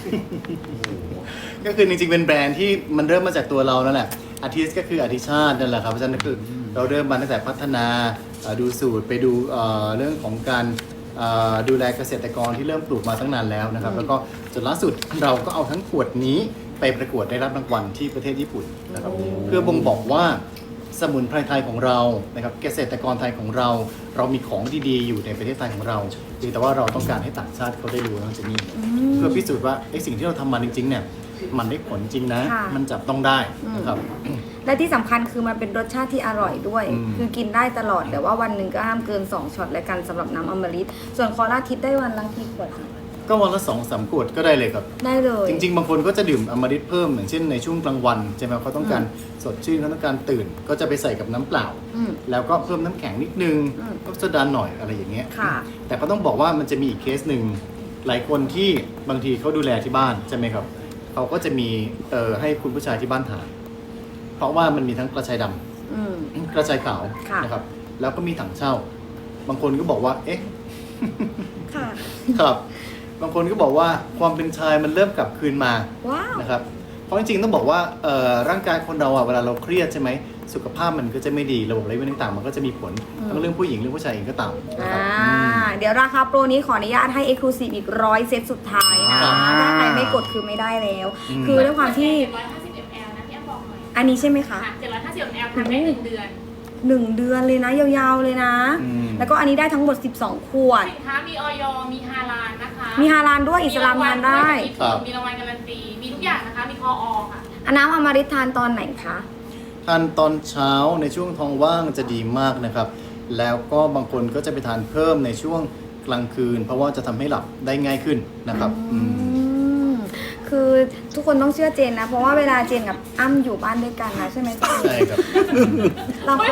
[SPEAKER 2] ก็คือจริงๆเป็นแบรนด์ที่มันเริ่มมาจากตัวเรานั่นแหละอาทิตย์ก็คืออธิชาตินั่นแหละครับเพราะฉะนั้นคือเราเริ่มมาตั้งแต่พัฒนาดูสูตรไปดูเรื่องของการดูแลเกษตรกรที่เริ่มปลูกมาตั้งนานแล้วนะครับแล้วก็จนล่าสุดเราก็เอาทั้งขวดนี้ไปประกวดได้รับรางวัลที่ประเทศญี่ปุ่นนะครับเพื่อบ่งบอกว่าสมุนไพรไทยของเรานะครับเกษตรกรไทยของเรา เรามีของดีๆอยู่ในประเทศไทยของเราเพียงแต่ว่าเราต้องการให้ต่างชาติเขาได้รู้นะเจนนี่เพื่อพิสูจน์ว่าไอ้สิ่งที่เราทำมาจริงๆเนี่ยมันได้ผลจริงนะ
[SPEAKER 1] ค่ะ
[SPEAKER 2] มันจับต้องได้นะครับ
[SPEAKER 1] และที่สำคัญคือมันเป็นรสชาติที่อร่อยด้วย คือกินได้ตลอดแต่ว่าวันหนึ่งก็ห้ามเกิน2ช็อตและกันสำหรับน้ำอมฤตส่วนคอร่าทิพย์ได้วันละกี่ขวดคะ
[SPEAKER 2] ก็วันละ2-3 ขวดก็ได้เลยครับ
[SPEAKER 1] ได้เลย
[SPEAKER 2] จริงๆ บางคนก็จะดื่มอมฤตเพิ่มอย่างเช่นในช่วงกลางวันใช่ไหมเขาต้องการสดชื่นเขาต้องการตื่น ก็จะไปใส่กับน้ำเปล่า
[SPEAKER 1] อืม
[SPEAKER 2] แล้วก็เพิ่มน้ำแข็งนิดนึง
[SPEAKER 1] อืม
[SPEAKER 2] ก็โซดาหน่อยอะไรอย่างเงี้ย
[SPEAKER 1] ค่ะ
[SPEAKER 2] แต่ก็ต้องบอกว่ามันจะมีอีกเคสหนึ่งหลายคนที่บางทีเขาดูแลที่บ้านใช่ไหมครับเขาก็จะมีให้คุณผู้ชายที่บ้านทานเพราะว่ามันมีทั้งกระชายดำ
[SPEAKER 1] อืม
[SPEAKER 2] กระชายขาว
[SPEAKER 1] ค่ะ
[SPEAKER 2] นะครับแล้วก็มีถังเช่า บางคนก็บอกว่าเอ๊ะ
[SPEAKER 1] ค่ะ
[SPEAKER 2] ครับบางคนก็บอกว่าความเป็นชายมันเริ่มกลับคืนมา
[SPEAKER 1] ว้าว
[SPEAKER 2] นะครับเพราะจริงๆต้องบอกว่าร่างกายคนเราเวลาเราเครียดใช่ไหมสุขภาพมันก็จะไม่ดีระบบไหลเวียนต่างๆมันก็จะมีผลทั้งเรื่องผู้หญิงเรื่องผู้ชายเองก็ตามนะครับ
[SPEAKER 1] เดี๋ยวราคาโปรนี้ขออนุญาตให้ Exclusive อีก100 เซตสุดท้ายนะ ถ้าใครไม่กดคือไม่ได้แล้ว คือด้วยความที่
[SPEAKER 5] 750 ml นะพี่อ้ำบอกหน่อย
[SPEAKER 1] อันนี้ใช่ไหมคะ
[SPEAKER 5] ค่ะ750 ml ทำได้1 เดือน
[SPEAKER 1] 1 เดือนเลยนะ ยาวๆเลยนะ แล้วก็อันนี้ได้ทั้งหมด 12 ขวด
[SPEAKER 5] สินค้ามีออยมีฮาลาลนะคะ
[SPEAKER 1] มีฮาลาลด้วยอิสลามทานได้
[SPEAKER 5] มีรางวัลการันตี มีทุกอย่างนะคะ มีคออค่ะ
[SPEAKER 1] อันน้ำอมฤตทานตอนไหนคะ
[SPEAKER 2] ทานตอนเช้าในช่วงท้องว่างจะดีมากนะครับ แล้วก็บางคนก็จะไปทานเพิ่มในช่วงกลางคืน เพราะว่าจะทำให้หลับได้ง่ายขึ้นนะครับ
[SPEAKER 1] คือทุกคนต้องเชื่อเจนนะ เพราะว่าเวลาเจนกับอ้ำอยู่บ้านด้วยกันนะใช่ไหมเจน
[SPEAKER 2] ใช่ครับ
[SPEAKER 1] เราก็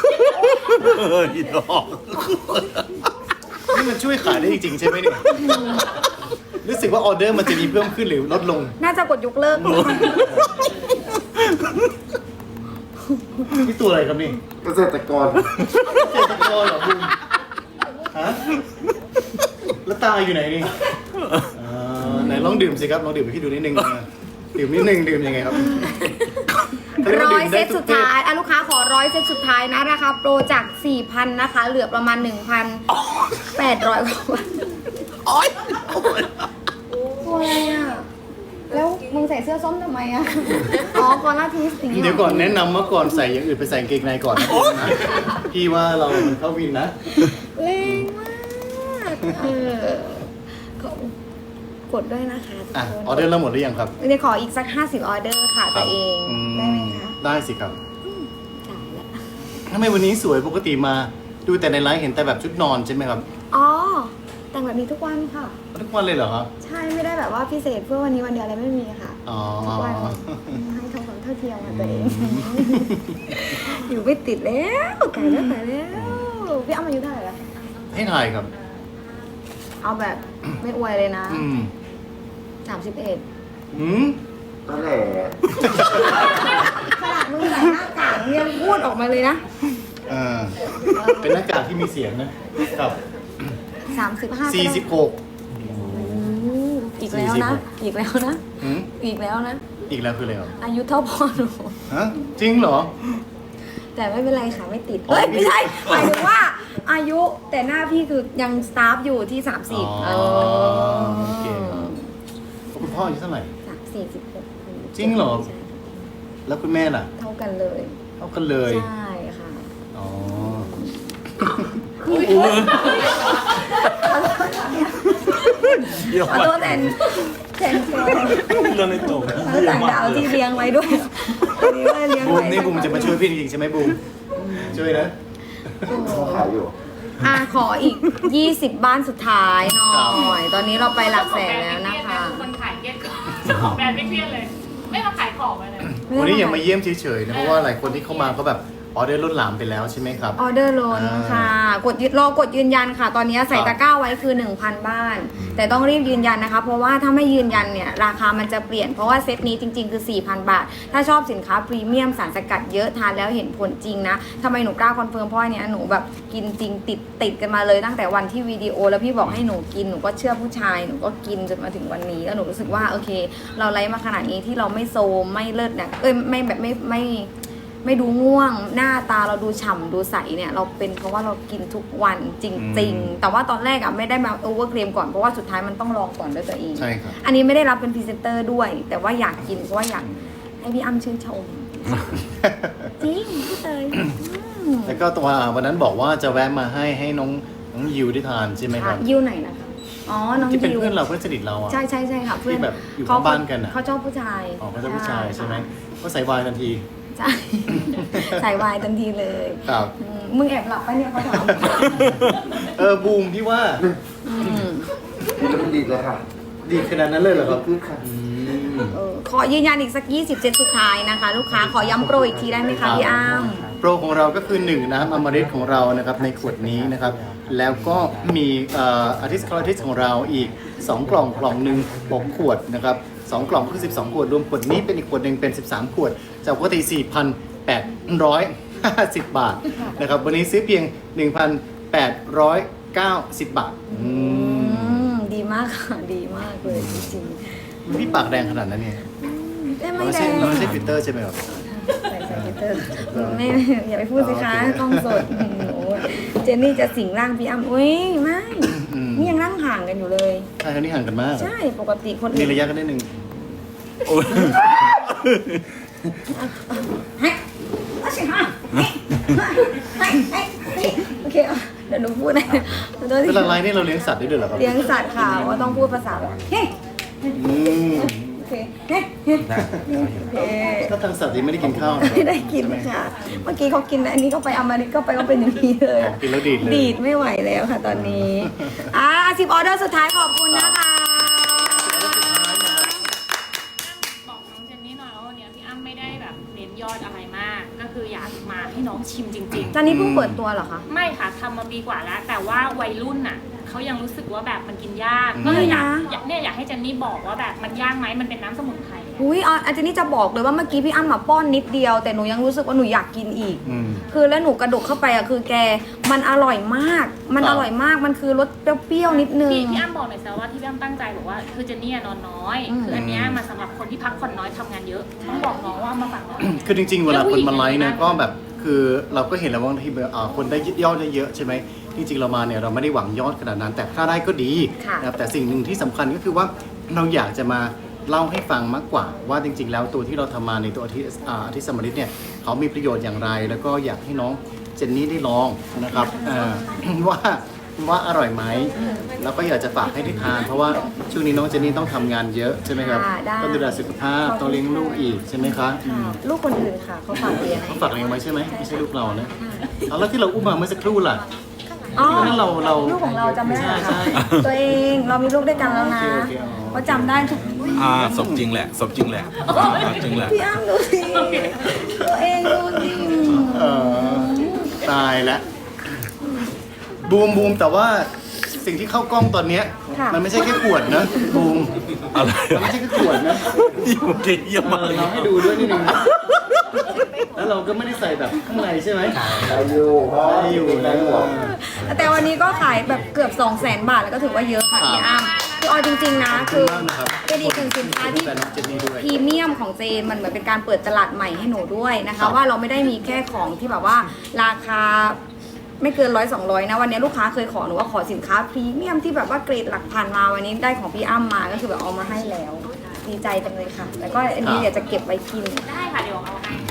[SPEAKER 2] นี่มันช่วยขายได้จริงๆใช่ไหมเนี่ยรู้สึกว่าออเดอร์มันจะมีเพิ่มขึ้นหรือลดลง
[SPEAKER 1] น่าจะกดยกเลิก
[SPEAKER 2] นี่ตัวอะไรครับนี่
[SPEAKER 3] เกษตรกร
[SPEAKER 2] เกษตรกรเหรอบุ้มฮะแล้วตาอยู่ไหนนี่ไหนลองดื่มสิครับลองดื่มให้พี่ดูนิดนึงดื่มนิดนึงดื่มยังไงครับ
[SPEAKER 1] 100 เซตสุดท้ายลูกค้าขอ100 เซตสุดท้ายนะราคาโปรจาก 4,000 นะคะ เหลือประมาณ 1,800 กว่าบาทตัวอะไรอ่ะ แล้วมึงใส่เสื้อส้มทำไมอ่ะ อ๋อคอลลาทิสอย่างนี้
[SPEAKER 2] เดี๋ยวก่อนแนะนำว่าก่อนใส่อย่างอื่นไปใส่กางเกงในก่อนนะพี่ว่าเรามันเข้าวินนะ
[SPEAKER 1] แรงมากกดด้วยนะคะทุก
[SPEAKER 2] อ่ะ
[SPEAKER 1] คน
[SPEAKER 2] ออเดอร์เราหมดหรือยังครับ
[SPEAKER 1] เดี๋ยวขออีกสัก50 ออเดอร์ค่ะตัวเอง ได้ไหมคะ
[SPEAKER 2] ได้สิครับ
[SPEAKER 1] จ่ายแล้ว
[SPEAKER 2] ทำไมวันนี้สวยปกติมาดูแต่ในไลฟ์เห็นแต่แบบชุดนอนใช่ไหมครับ
[SPEAKER 1] อ๋อ แต่งแบบนี้ทุกวันค่ะ
[SPEAKER 2] ทุกวันเลยเหรอครับ
[SPEAKER 1] ใช่ไม่ได้แบบว่าพิเศษเพื่อวันนี้วันเดียวอะไรไม่มีค่ะ
[SPEAKER 2] อ๋อ
[SPEAKER 1] ทุกวันให้ทำความเท่าเทียมกับตัวเอง อยู่ไม่ติดแล้วไก่แล้วไก่แล้วพี่อ้ำอายุเท่าไหร่แล้ว
[SPEAKER 2] ให้ถ่ายครับ
[SPEAKER 1] เอาแบบไม่อวยเลยนะ 31
[SPEAKER 2] หืม
[SPEAKER 3] นั่นแหละ
[SPEAKER 1] ขนาดมึงใส่หน้ากากยังพูดออกมาเลยนะ
[SPEAKER 2] เป็นหน้ากากที่มีเสียงนะครับ
[SPEAKER 1] 35
[SPEAKER 2] 46
[SPEAKER 1] อีกแล้วนะ อีกแล้วนะ
[SPEAKER 2] หืม
[SPEAKER 1] อีกแล้วนะ
[SPEAKER 2] อีกแล้วคืออะไรเหรอ
[SPEAKER 1] อายุเท่าพ่อหนู
[SPEAKER 2] ฮะจริงเหรอ
[SPEAKER 1] แต่ไม่เป็นไรค่ะไม่ติด
[SPEAKER 2] อ๋อ
[SPEAKER 1] เอ้ยไม่ใช่หมายถึงว่าอายุแต่หน้าพี่คือยังสตาฟอยู่ที่ 30
[SPEAKER 2] อ๋อโอเค คุณพ่ออายุเท่าไหร่
[SPEAKER 1] 46
[SPEAKER 2] จริงเหรอ แล้วคุณแม่ล่ะ
[SPEAKER 1] เท่ากันเลย
[SPEAKER 2] เท่ากันเลย
[SPEAKER 1] ใช่ค่ะ
[SPEAKER 2] อ๋อ
[SPEAKER 1] ขอโทษแทนตัว
[SPEAKER 4] โดนในตุ่ม
[SPEAKER 1] ต่างดาวที่เลี้ยงไว้ด้วยวันนี้ว่าเลี้ยง
[SPEAKER 2] บู
[SPEAKER 1] ไว้
[SPEAKER 2] มนี่บูมจะมาช่วยพี่จริงๆใช่ไหมบูมช่วยนะ
[SPEAKER 3] ขายอยู่
[SPEAKER 1] ขออีก 20 บ้านสุดท้ายหน่อย ตอนนี้เราไปหลักแสนแล้วนะคะ
[SPEAKER 5] คนขายเครียดก่อนเจ้าของแบรนด์ไม่เครียดเลย ไม่มาขายของเลย
[SPEAKER 2] วันนี้อย่ามาเยี่ยมเฉยๆนะเพราะว่าหลายคนที่เข้ามาก็แบบออเดอร์ล้นหลามไปแล้วใช่ไหมครับ
[SPEAKER 1] ออเดอร์ล้นค่ะรอกดยืนยันค่ะ ตอนนี้ใส่ตะกร้าไว้คือ 1,000 บ้าน แต่ต้องรีบยืนยันนะคะ เพราะว่าถ้าไม่ยืนยันเนี่ยราคามันจะเปลี่ยน เพราะว่าเซตนี้จริงๆคือ 4,000 บาท ถ้าชอบสินค้าพรีเมียมสารสกัดเยอะทานแล้วเห็นผลจริงนะทำไมหนูกล้าคอนเฟิร์มเพราะอันเนี้ยหนูแบบกินจริงติดกันมาเลยตั้งแต่วันที่วิดีโอแล้วพี่บอกให้หนูกินหนูก็เชื่อผู้ชายหนูก็กินจนมาถึงวันนี้แล้วหนูรู้สึกว่าโอเค เราไลฟ์มาขนาดนี้ที่เราไม่โซมไม่เลิศเนี่ยไม่แบบไม่ดูง่วงหน้าตาเราดูฉ่ำดูใสเนี่ยเราเป็นเพราะว่าเรากินทุกวันจริง ๆ แต่ว่าตอนแรกไม่ได้มาโอเวอร์เคลมก่อนเพราะว่าสุดท้ายมันต้องลองก่อนด้วยตัวเอง
[SPEAKER 2] ใช่ครับ
[SPEAKER 1] อันนี้ไม่ได้รับเป็นพรีเซนเตอร์ด้วย แต่ว่าอยากกินเพราะว่าอยากให้พี่อ้ำชื่นชมจริงพี่เตย
[SPEAKER 2] แล้วก็ตัววันนั้นบอกว่าจะแวะมาให้น้องยิวได้ทานใช่ไหมครับ
[SPEAKER 1] ยิวไหนนะคะอ๋อน้อง
[SPEAKER 2] ที่เป็น
[SPEAKER 1] ยิว
[SPEAKER 2] เพื่อนเราเพื่อนสนิทเราอ่ะ
[SPEAKER 1] ใช่ค่ะเพื่อน
[SPEAKER 2] ที่แบบอยู่ข้างบ้านกันอะ
[SPEAKER 1] เขาชอบผู้ชาย
[SPEAKER 2] อ๋อเขาจะผู้ชายใช่ไหมก็ใส่วายทันที
[SPEAKER 1] ใช่ ใส่วายทันทีเลย
[SPEAKER 2] ครับ
[SPEAKER 1] มึงแอบหลับปะเนี่ยเขาถาม
[SPEAKER 2] บูมพี่ว่า
[SPEAKER 3] มันดีเลยค่ะ
[SPEAKER 2] ดีขนาดนั้นเลยเหรอครับ
[SPEAKER 3] คือค่ะ
[SPEAKER 1] ขอยืนยันอีกสัก20เซตสุดท้ายนะคะ ลูกค้าขอย้ำโปรอีกทีได้ไหมคะพี่อ้ำ
[SPEAKER 2] โปรของเราก็คือ1น้ำอมฤตของเรานะครับในขวดนี้นะครับแล้วก็มีอาทิสคลอทิสของเราอีก2กล่องหนึ่ง6ขวดนะครับ2กล่องคือ12ขวดรวมขวดนี้เป็นอีกขวดหนึ่งเป็น13ขวดจากปกติ 4,850 บาทนะครับวันนี้ซื้อเพียง 1,890 บาท
[SPEAKER 1] ดีมากค่ะดีมากเลยจริง
[SPEAKER 2] พี่ปากแดงขนาดนั้นเนี่ย
[SPEAKER 1] ๆไม่
[SPEAKER 2] ไม่
[SPEAKER 1] แด
[SPEAKER 2] ใช่
[SPEAKER 1] ง
[SPEAKER 2] ไม่ใช่ฟิลเตอร์ใช่ไหมครับ
[SPEAKER 1] ใส่ฟิลเตอร์ไม่อย่าไปพูดสิคะกล้องสดโอ้เจนนี่จะสิงร่างพี่อ้ำอุ้ยไม่นี่ยังนั่งห่างกันอยู่เลย
[SPEAKER 2] ใช่ครั้นี้ห่างกันมาก
[SPEAKER 1] ใช่ปกติคน
[SPEAKER 2] มี
[SPEAKER 1] อื่น
[SPEAKER 2] ระยะกันนิดนึง
[SPEAKER 1] เฮ้ยเอาสิฮะเฮ้ยโอเคเดี๋ยวหนูพูดนะ
[SPEAKER 2] เวลาไลฟ์นี่เราเลี้ยงสัตว์ได้ด้วยเหรอครับ
[SPEAKER 1] เลี้ยงสัตว์ค่ะว่าต้องพูดภาษาแบบเฮ้ย
[SPEAKER 2] อืม
[SPEAKER 1] โอเคเฮ้ยเฮ้ยโอเค
[SPEAKER 2] ถ้าทางสัตว์ยังไม่ได้กินข้าว
[SPEAKER 1] ไม่ได้กินค่ะ เมื่อกี้เขากินอันนี้ก็ไปอเมริกก็ไปก็เป็นอย่างนี้เลย
[SPEAKER 2] กินแล้วดีดเลย
[SPEAKER 1] ดีดไม่ไหวแล้วค่ะตอนนี้10ออเดอร์สุดท้ายขอบคุณนะคะ
[SPEAKER 5] บอกน้องเจนนี่หน่อยว่าวันนี้พี่อ้ำไม่ได้แบบเน้นยอดอะไรมาก ก็คืออยากมาให้น้องชิมจริง
[SPEAKER 1] ตอนนี้เพิ่งเปิดตัวเหรอคะ
[SPEAKER 5] ๆ ไม่ค่ะทำมาปีกว่าแล้ว แต่ว่าวัยรุ่นน่ะเขายังรู้สึกว่าแบบมันกินยากก็เลยอยากให้เจนนี่บอกว่าแบบมันยากไหมมันเป็นน้ำสมุนไพร
[SPEAKER 1] อุ้ยอาจารย์นี่จะบอกเลยว่าเมื่อกี้พี่อ้ำมาป้อนนิดเดียวแต่หนูยังรู้สึกว่าหนูอยากกินอีก คือแล้วหนูกระดกเข้าไปคือแกมันอร่อยมาก มันอร่อยมากมันคือรสเปรี้ยวๆนิดนึง
[SPEAKER 5] พี่อ้ำบอกหน่อยสิว่าที่พี่อ้ำตั้งใจบอกว่าคือเจนนี่นอนน้อย คืออันเนี้ยมาสำหรับคนที่พักผ่อนน้อยทำงานเยอะต้องบอกน้องว่ามาฝังน้อย
[SPEAKER 2] คือจริงๆ เวลาคนมาไลฟ์เนี่ยก็แบบคือเราก็เห็นแล้วว่าบางทีคนได้ยอดเยอะใช่ไหมจริงๆเรามาเนี่ยเราไม่ได้หวังยอดขนาดนั้น แต่ถ้าได้ก็ดีนะครับแต่สิ่งหนึ่งที่สำคัญก็คือว่าเราอยากจะมาเล่าให้ฟังมากกว่าว่าจริงๆ แล้วตัวที่เราทำมาในตัวอาทิตย์สมฤทธิ์เนี่ยเขามีประโยชน์อย่างไร แล้วก็อยากให้น้องเจนนี่ได้ลองนะครับว่าอร่อยไหมแล้วก็อยากจะฝากให้ได้ทานเพราะว่าช่วงนี้น้องเจนนี่ต้องทำงานเยอะใช่ไหมครับต้องดูแลสุขภาพต้องเลี้ยงลูกอีกใช่ไหมคะ
[SPEAKER 1] ลูกคนอื่นค่ะเขาฝากเลี้ยง
[SPEAKER 2] เขาฝากเลี้ยงไว้ใช่ไหมไม่ใช่ลูกเรานะเอาแล้วที่เราอุ้มมาเมื่อสักครู่ล่ะ
[SPEAKER 1] อ๋อ
[SPEAKER 2] นั่นเรา
[SPEAKER 1] ลูกของเราจำไม่ได้เหรอ
[SPEAKER 2] ใช่
[SPEAKER 1] คะตัวเองเรามีลูกด้วยกันแล้วนะ
[SPEAKER 2] โอเคอ๋อ
[SPEAKER 1] เขาจำได้ทุก
[SPEAKER 4] สมจริงแหละสมจริงแหละจริงแหละ
[SPEAKER 1] พี่อ้ำดูสิตัวเองดูสิ
[SPEAKER 2] เออตายแล้วบูมแต่ว่าสิ่งที่เข้ากล้องตอนเนี้ยมันไม่ใช่แค่ขวดนะบูม
[SPEAKER 4] อะไร
[SPEAKER 2] มันไม่ใช่แค่ขวดนะ
[SPEAKER 4] โอเคเยี่ยมมาก
[SPEAKER 2] เราให้ดูด้วยนิดนึงนะแล้วเราก็ไม่ได้ใส่แบบข้างในใช่ไหม
[SPEAKER 3] ได้อยู่ได้อยู่ได้หมด
[SPEAKER 1] แต่วันนี้ก็ขายแบบเกือบ200,000 บาทแล้วก็ถือว่าเยอะค่ะพี่อ้ำคือเอาจริงๆนะคือ
[SPEAKER 2] ขอบคุณมากนะครับ
[SPEAKER 1] เป็นอีกหนึ่งสินค้าที่
[SPEAKER 2] แฟนน้องเจนนี่ด้วย
[SPEAKER 1] พรีเมียมของเจนมันเหมือนเป็นการเปิดตลาดใหม่ให้หนูด้วยนะ
[SPEAKER 2] ครั
[SPEAKER 1] คะ
[SPEAKER 2] บ
[SPEAKER 1] ว่าเราไม่ได้มีแค่ของที่แบบว่าราคาไม่เกิน100-200นะวันนี้ลูกค้าเคยขอหนูว่าขอสินค้าพรีเมียมที่แบบว่าเกรดหลักพันมาวันนี้ได้ของพี่อ้ำมาก็คือแบบเอามาให้แล้วดีใจจังเลยค่ะแล้วก็อันนี้เดี๋ยวจะเก็บไว้กิน
[SPEAKER 5] ได้ค่ะเดี๋ยวเอาให้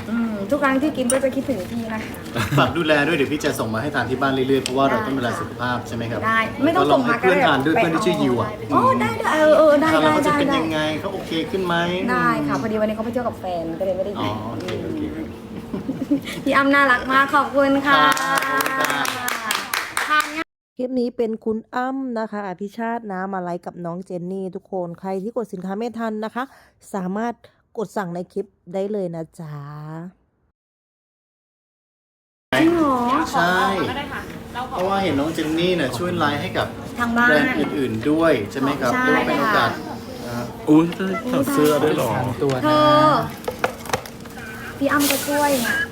[SPEAKER 1] ทุกครั้งที่กินก็จะคิดถึงพี่นะคะ
[SPEAKER 2] ฝากดูแลด้วยเดี๋ยวพี่จะส่งมาให้ทานที่บ้านเรื่อยๆเพราะว่าเราต้องดูแลสุขภาพใช่ไหมครับ
[SPEAKER 1] ได้ไม่ต้องส่งมา
[SPEAKER 2] ก็ลให้เพื่อนทานด้วย
[SPEAKER 1] ก็ได้
[SPEAKER 2] เพื่อนที่ชื่อยิวอ่ะ
[SPEAKER 1] โอ้ได้ได้ได้
[SPEAKER 2] ทานแล้ว
[SPEAKER 1] ได้
[SPEAKER 2] เขาจะ
[SPEAKER 1] ได้
[SPEAKER 2] เป็น
[SPEAKER 1] ได้
[SPEAKER 2] ยังไงเขาโอเคขึ้นไหม
[SPEAKER 1] ได้ค่ะพอดีวันนี้เขาไปเที่ยวกับแฟนก็เลยไม่ได้
[SPEAKER 2] อ๋
[SPEAKER 1] กิ
[SPEAKER 2] อน โอเคโอเคครับ
[SPEAKER 1] พี่อ้ำน่ารักมากขอบคุณค่ะ
[SPEAKER 2] ขอบคุณค่ะ
[SPEAKER 1] ทานง่าย
[SPEAKER 6] คลิปนี้เป็นคุณอ้ำนะคะอภิชาตินะมาไลฟ์กับน้องเจนนี่ทุกคนใครที่กดสินค้าไม่ทันนะคะ สามารถกดสั่งในคลิปได้เลยนะจ๊ะ
[SPEAKER 1] จริงเหรอ
[SPEAKER 2] ใช่
[SPEAKER 5] ก็ได้ค่ะเราข
[SPEAKER 2] เพ
[SPEAKER 5] อ
[SPEAKER 2] ราะว่าเห็นน้องเจนนี่เนี่ยช่วยไลฟ์ให้กับ
[SPEAKER 1] ทางบ้าน
[SPEAKER 2] แบรนด์อื่นๆด้วยใช่ไหมครับ
[SPEAKER 1] ใช่
[SPEAKER 2] เรียกว่าเป็นโอกาส
[SPEAKER 4] อุ้ยถอดเสื้อด้วยเหรอ
[SPEAKER 2] ตัว
[SPEAKER 1] เธ
[SPEAKER 2] นะ
[SPEAKER 1] อพี่อ้ำก็ช่วยเนี่ย